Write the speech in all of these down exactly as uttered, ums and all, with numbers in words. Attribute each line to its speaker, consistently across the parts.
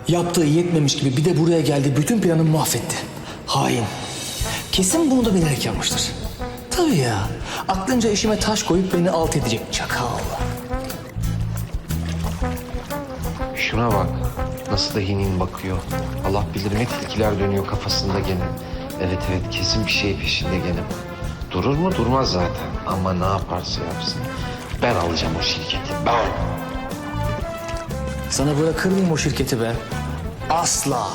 Speaker 1: Yaptığı yetmemiş gibi bir de buraya geldi, bütün planımı mahvetti. Hain. Kesin bunu da bilerek yapmıştır. Tabii ya. Aklınca işime taş koyup beni alt edecek çakal.
Speaker 2: Şuna bak. Nasıl da hinin bakıyor. Allah bilir ne tilkiler dönüyor kafasında gene. Evet evet kesin bir şey peşinde gene. Durur mu? Durmaz zaten. Ama ne yaparsa yapsın. Ben alacağım o şirketi. Ben.
Speaker 1: Sana bırakır mıyım o şirketi be? Asla.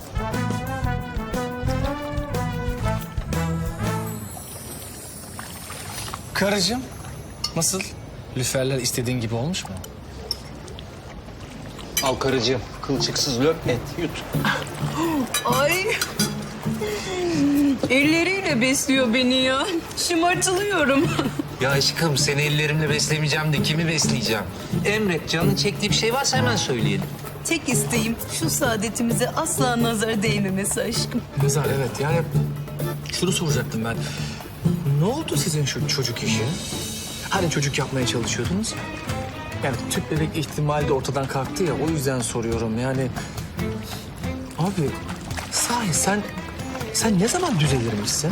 Speaker 1: Karıcığım, nasıl? Lüferler istediğin gibi olmuş mu?
Speaker 2: Al karıcığım. Kılçıksız löp et. Yut.
Speaker 3: Ay. Elleriyle besliyor beni ya. Şımartılıyorum.
Speaker 4: Ya aşkım seni ellerimle beslemeyeceğim de kimi besleyeceğim? Emret, canın çektiği bir şey varsa hemen söyleyelim.
Speaker 3: Tek isteğim şu saadetimize asla nazar değmemesi aşkım.
Speaker 1: Nazar, evet. Yani şunu soracaktım ben. Ne oldu sizin şu çocuk işi? Hani çocuk yapmaya çalışıyordunuz ya? Yani tüp bebek ihtimali de ortadan kalktı ya, o yüzden soruyorum. Yani abi sahi sen sen ne zaman düzelirmişsin?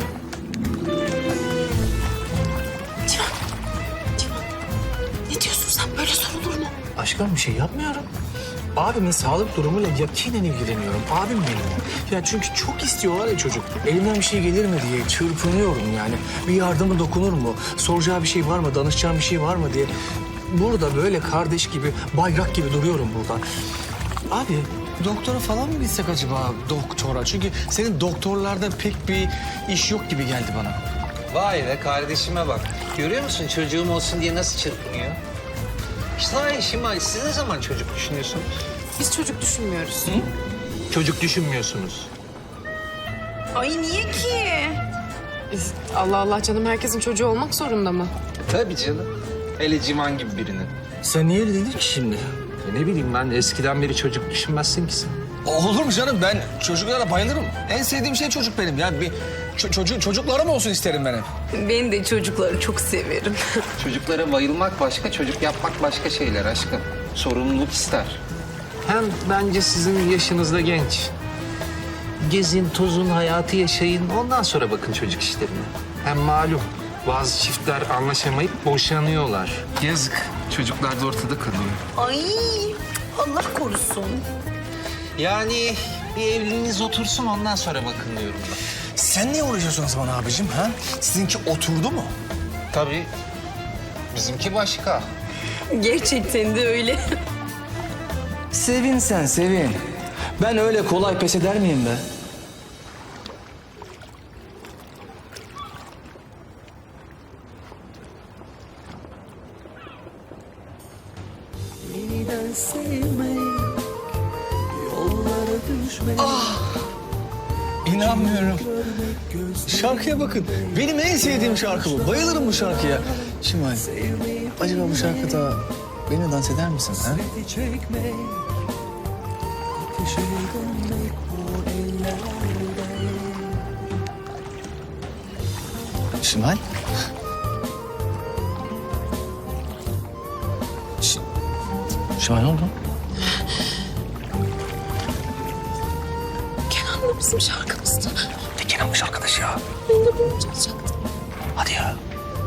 Speaker 3: Civan, Civan. Ne diyorsun sen? Böyle sorulur mu?
Speaker 1: Aşkım bir şey yapmıyorum. Abimin sağlık durumuyla yakinen ilgileniyorum. Abim benim. Ya çünkü çok istiyorlar ya çocuk. Elimden bir şey gelir mi diye çırpınıyorum yani. Bir yardımı dokunur mu? Soracağı bir şey var mı? Danışacağım bir şey var mı diye. Burada böyle kardeş gibi, bayrak gibi duruyorum burada. Abi doktora falan mı gitsek acaba doktora? Çünkü senin doktorlarda pek bir iş yok gibi geldi bana.
Speaker 4: Vay be kardeşime bak. Görüyor musun çocuğum olsun diye nasıl çırpınıyor? İşte ay Şimal, siz ne zaman çocuk düşünüyorsunuz?
Speaker 5: Biz çocuk düşünmüyoruz.
Speaker 4: Çocuk düşünmüyorsunuz.
Speaker 3: Ay niye ki?
Speaker 5: Biz, Allah Allah canım, herkesin çocuğu olmak zorunda mı?
Speaker 4: Tabii canım. Hele Civan gibi birinin.
Speaker 1: Sen niye öyle dedin ki şimdi?
Speaker 4: Ya ne bileyim ben eskiden beri çocuk düşünmezsin ki sen.
Speaker 1: Olur mu canım? Ben çocuklara bayılırım. En sevdiğim şey çocuk benim. Yani bir ço- çocuğu çocuklarım olsun isterim ben hep.
Speaker 3: Ben de çocukları çok severim.
Speaker 2: Çocuklara bayılmak başka, çocuk yapmak başka şeyler aşkım. Sorumluluk ister.
Speaker 4: Hem bence sizin yaşınızda genç. Gezin, tozun, hayatı yaşayın. Ondan sonra bakın çocuk işlerine. Hem malum bazı çiftler anlaşamayıp boşanıyorlar. Yazık. Çocuklar da ortada kalıyor.
Speaker 3: Ay Allah korusun.
Speaker 4: Yani bir evliliğiniz otursun ondan sonra bakın diyorum ben.
Speaker 1: Sen niye uğraşıyorsun o zaman abicim ha? Sizinki oturdu mu?
Speaker 4: Tabii. Bizimki başka.
Speaker 3: Gerçekten de öyle.
Speaker 1: Sevin sen sevin. Ben öyle kolay pes eder miyim be? Ah! İnanmıyorum. Şarkıya bakın. Benim en sevdiğim şarkı bu. Bayılırım bu şarkıya. Şimal, acaba bu şarkıda benimle dans eder misin ha? Şimal? Ş Şimal ne oldu?
Speaker 5: Kenan da bizim şarkımızda.
Speaker 1: Ne Kenan'mış arkadaş ya?
Speaker 5: Ben de bunu çalacaktım.
Speaker 1: Hadi ya.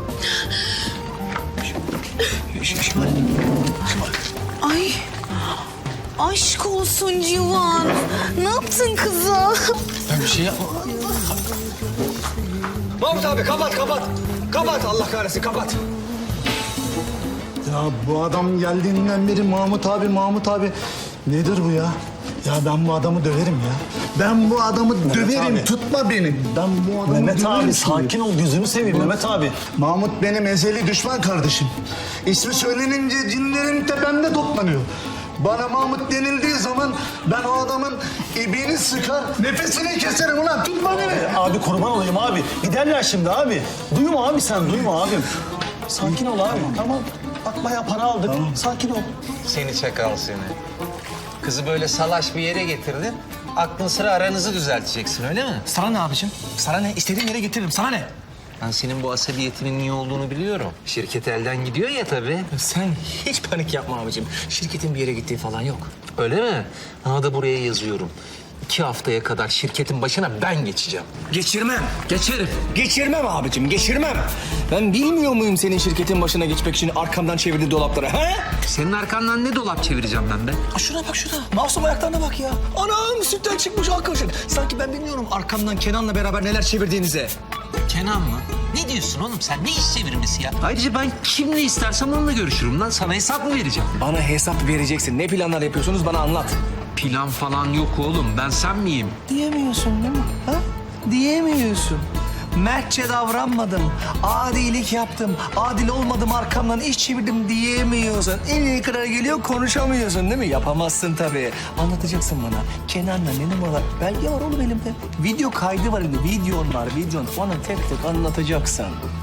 Speaker 1: Ş Ş Şimal. Şimal.
Speaker 3: Ay aşk olsun Civan. Ne yaptın kıza?
Speaker 1: Ben bir şey yapma. Mahmut abi kapat kapat. Kapat Allah kahretsin kapat.
Speaker 6: Ya bu adam geldiğinden beri Mahmut abi, Mahmut abi. Nedir bu ya? Ya ben bu adamı döverim ya. Ben bu adamı döverim.
Speaker 7: abi.
Speaker 6: Tutma beni. Ben bu adamı
Speaker 7: Mehmet
Speaker 6: döverim
Speaker 7: abi
Speaker 6: şimdi.
Speaker 7: sakin ol, gözünü seveyim Mehmet abi.
Speaker 6: Mahmut benim ezeli düşman kardeşim. İsmi söylenince cinlerin tepemde toplanıyor. Bana Mahmut denildiği zaman ben o adamın ibiğini sıkar, nefesini keserim ulan. Tutma beni.
Speaker 7: Abi kurban olayım abi. Giderler şimdi abi. Duyma abi sen, duyma abim. Sakin ol abi, tamam. Bak bayağı para aldık. Sakin ol.
Speaker 4: Seni çakal seni. Kızı böyle salaş bir yere getirdin. Aklın sıra aranızı düzelteceksin öyle mi?
Speaker 1: Sana ne abicim? Sana ne? İstediğim yere getiririm. Sana ne?
Speaker 4: Ben senin bu asabiyetinin niye olduğunu biliyorum. Şirket elden gidiyor ya tabii.
Speaker 1: Sen hiç panik yapma abicim. Şirketin bir yere gittiği falan yok.
Speaker 4: Öyle mi? Ha da buraya yazıyorum. İki haftaya kadar şirketin başına ben geçeceğim.
Speaker 1: Geçirmem.
Speaker 4: Geçerim.
Speaker 1: Geçirmem abicim, geçirmem. Ben bilmiyor muyum senin şirketin başına geçmek için arkamdan çevirdiği dolaplara, he?
Speaker 4: Senin arkandan ne dolap çevireceğim ben be?
Speaker 1: Aa, şuna bak şuna. Masum ayaklarına bak ya. Anam sütten çıkmış arkadaşım. Sanki ben bilmiyorum arkamdan Kenan'la beraber neler çevirdiğinizi.
Speaker 4: Kenan mı? Ne diyorsun oğlum sen? Ne iş çevirmesi ya? Ayrıca ben kimle istersem onunla görüşürüm lan. Sana hesap mı vereceğim?
Speaker 1: Bana hesap vereceksin. Ne planlar yapıyorsunuz bana anlat.
Speaker 4: Plan falan yok oğlum. Ben sen miyim?
Speaker 1: Diyemiyorsun değil mi? Ha? Diyemiyorsun. Mertçe davranmadım. Adilik yaptım. Adil olmadım arkamdan iş çevirdim diyemiyorsun. En iyi kadar geliyor konuşamıyorsun değil mi? Yapamazsın tabii. Anlatacaksın bana. Kenan'la ne numaralar? Belge var oğlum elimde. Video kaydı var elimde. Videon var videon. Bana tek tek anlatacaksın.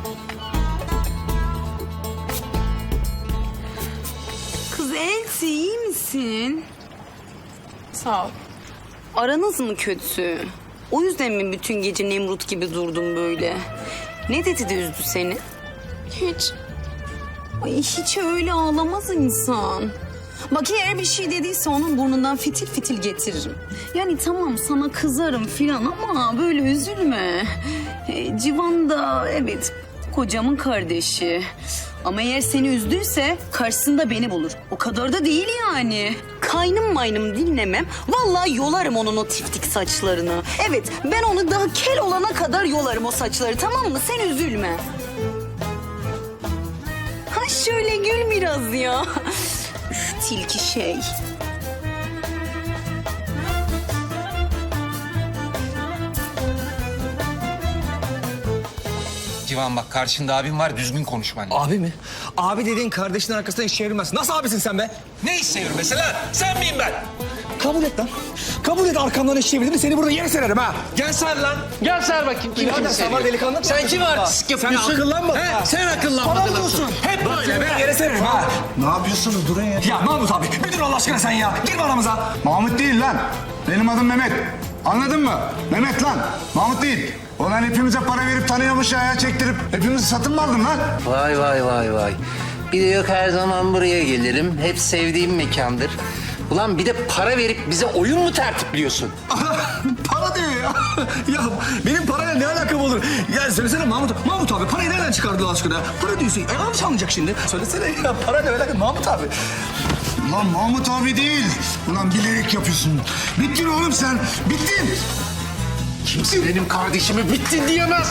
Speaker 3: Kız Elti iyi misin?
Speaker 5: Sağ ol.
Speaker 3: Aranız mı kötü? O yüzden mi bütün gece Nemrut gibi durdun böyle? Ne dedi de üzdü seni?
Speaker 5: Hiç.
Speaker 3: Ay hiç öyle ağlamaz insan. Bak eğer bir şey dediyse onun burnundan fitil fitil getiririm. Yani tamam sana kızarım filan ama böyle üzülme. E, Civan da evet kocamın kardeşi. Ama eğer seni üzdüyse karşısında beni bulur. O kadar da değil yani. Kaynım maynım dinlemem. Vallahi yolarım onun o tiftik saçlarını. Evet ben onu daha kel olana kadar yolarım o saçları tamam mı? Sen üzülme. Ha şöyle gül biraz ya. Üf, tilki şey.
Speaker 4: Civan bak karşında abim var. Düzgün konuş benimle.
Speaker 1: Abi mi? Abi dediğin kardeşinin arkasından iş çevirmez. Nasıl abisin sen be?
Speaker 4: Ne iş çevirmesi lan? Sen miyim ben?
Speaker 1: Kabul et lan. Kabul et arkamdan iş çevirdiğini seni burada yere sererim ha.
Speaker 4: Gel ser lan. Gel ser bakayım. Kim
Speaker 1: Birader,
Speaker 4: kimi
Speaker 1: sen var
Speaker 4: seviyor?
Speaker 1: delikanlı mı?
Speaker 4: Sen kim artistik yapıyorsun?
Speaker 1: Sen akıllanmadın
Speaker 4: He?
Speaker 1: ha.
Speaker 4: Sen
Speaker 1: Bana
Speaker 4: akıllanmadın.
Speaker 1: mı diyorsun?
Speaker 4: Hep böyle be.
Speaker 1: Yere sererim ha.
Speaker 6: Ne yapıyorsunuz? Durun ya.
Speaker 1: Ya Mahmut abi bir dur Allah aşkına sen ya. Girme aramıza.
Speaker 6: Mahmut değil lan. Benim adım Mehmet. Anladın mı? Mehmet lan. Mahmut değil. Ulan hepimize para verip tanıyormuş ayağa çektirip hepimizi satın mı aldın lan?
Speaker 2: Vay vay vay vay. Bir de yok her zaman buraya gelirim. Hep sevdiğim mekandır. Ulan bir de para verip bize oyun mu tertipliyorsun?
Speaker 1: Para diyor ya. Ya benim parayla ne alakam olur? Ya söylesene Mahmut. Mahmut abi parayı nereden çıkardı Allah aşkına? Para diyorsun. E yanlış anlayacak şimdi. Söylesene ya para ne alakam Mahmut abi.
Speaker 6: Lan Mahmut abi değil. Ulan bilerek yapıyorsun. Bittin oğlum sen. Bittin.
Speaker 4: Kimse benim kardeşimi bitti diyemez.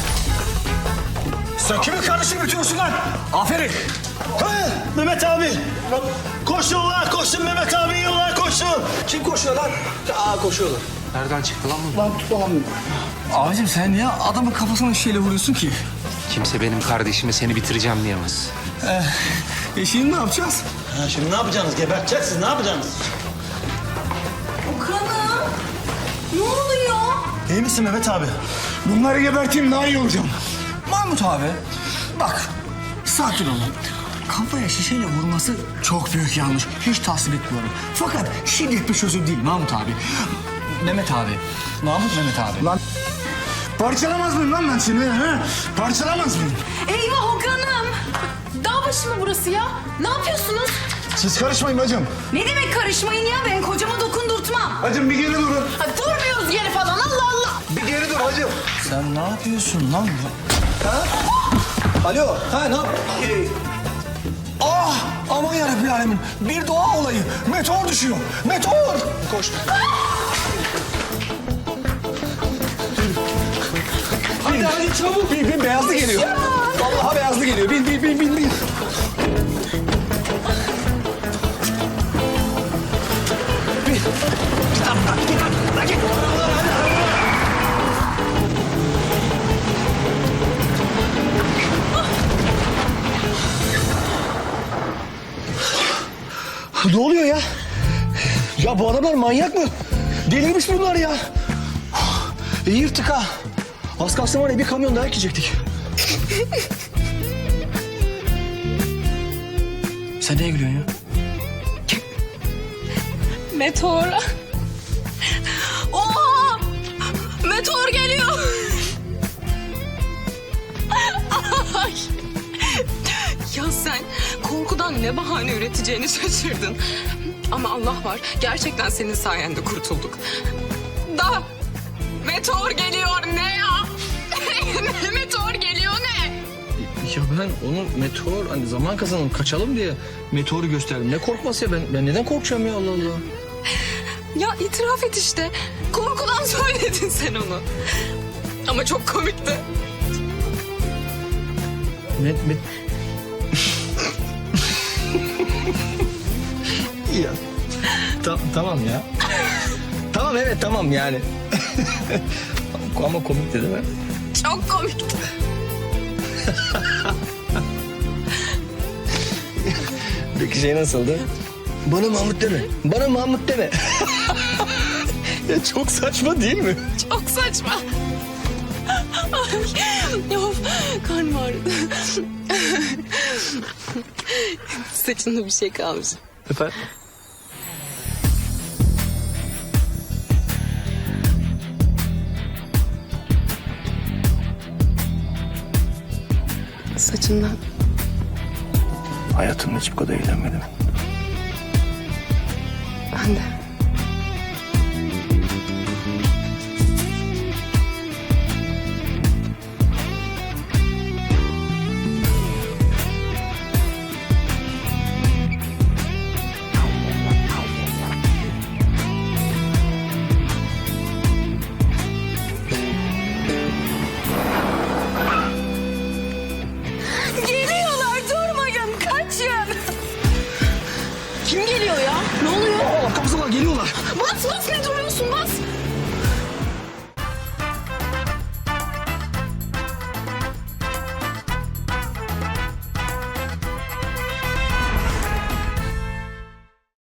Speaker 1: Sen kimin kardeşini bitiriyorsun lan? Aferin.
Speaker 7: Ha, Mehmet abi. Koş yollar koşsun Mehmet abi yollar koşsun.
Speaker 1: Kim koşuyor lan? Aa koşuyorlar.
Speaker 4: Nereden çıktı lan bu?
Speaker 6: Lan tutamıyorum.
Speaker 1: Abicim sen niye adamın kafasına şeyle vuruyorsun ki?
Speaker 4: Kimse benim kardeşime seni bitireceğim diyemez.
Speaker 1: Ee, e şimdi ne yapacağız?
Speaker 7: Ha, şimdi ne yapacaksınız? Geberteceksiniz ne yapacaksınız?
Speaker 3: Okan'ım ne oluyor?
Speaker 7: İyi misin Mehmet abi?
Speaker 6: Bunları geberteyim daha iyi olacağım.
Speaker 1: Mahmut abi bak sakin olun. Kafaya şişeyle vurması çok büyük yanlış. Hiç tasvip etmiyorum. Fakat şiddet bir çözüm değil Mahmut abi. Mehmet abi. Mahmut Mehmet abi.
Speaker 6: Lan parçalamaz mıyım lan ben seni? He? Parçalamaz mıyım?
Speaker 5: Eyvah Okan'ım. Dağ başı mı burası ya? Ne yapıyorsunuz?
Speaker 6: Siz karışmayın bacım.
Speaker 3: Ne demek karışmayın ya ben kocama dokundurtmam.
Speaker 6: Bacım bir geri durun.
Speaker 5: Ha, durmuyoruz geri falan Allah Allah.
Speaker 6: Bir geri dur bacım.
Speaker 1: Sen ne yapıyorsun lan? Ha? Alo. Ha ne yap? Ee, Ah! Aman yarabbim alemin. Bir doğa olayı. Meteor düşüyor. Meteor. Koş. Hadi hadi çabuk. Bin bin beyazlı geliyor. Vallahi beyazlı geliyor. Bin bin bin bin bin. Bin. Git lan buradan. Git lan. Lan git. Ne oluyor ya? Ya bu adamlar manyak mı? Delirmiş bunlar ya. İyi yırttık ha. Az kalsın var ya bir kamyon daha ekecektik. Sen neye gülüyorsun ya?
Speaker 5: Meteor. Oha! Meteor geliyor. Ay. Ya sen korkudan ne bahane üreteceğini şaşırdın. Ama Allah var. Gerçekten senin sayende kurtulduk. Da meteor geliyor ne ya? Meteor geliyor ne?
Speaker 1: Ya ben onu meteor hani zaman kazanalım kaçalım diye meteoru gösterdim. Ne korkması ya ben, ben neden korkacağım ya Allah Allah.
Speaker 5: Ya itiraf et işte. Korkudan söyledin sen onu. Ama çok komikti.
Speaker 1: Met, met... ya ta- tamam ya. Tamam evet tamam yani. Ama komikti değil mi?
Speaker 5: Çok komikti.
Speaker 1: Peki şey nasıldı? Bana Mahmut deme. Bana Mahmut deme. Ya çok saçma değil mi?
Speaker 5: Çok saçma. Ay, of, karnım ağrıdı. Saçında bir şey kalmış.
Speaker 1: Efendim?
Speaker 5: Saçından.
Speaker 1: Hayatımda hiç bu kadar eğlenmedim.
Speaker 5: Ben de. Geliyorlar, durmayın, kaçın. Kim geliyor ya? Ne oluyor?
Speaker 1: Aa kapısına geliyorlar.
Speaker 5: Bas bas, ne duruyorsun?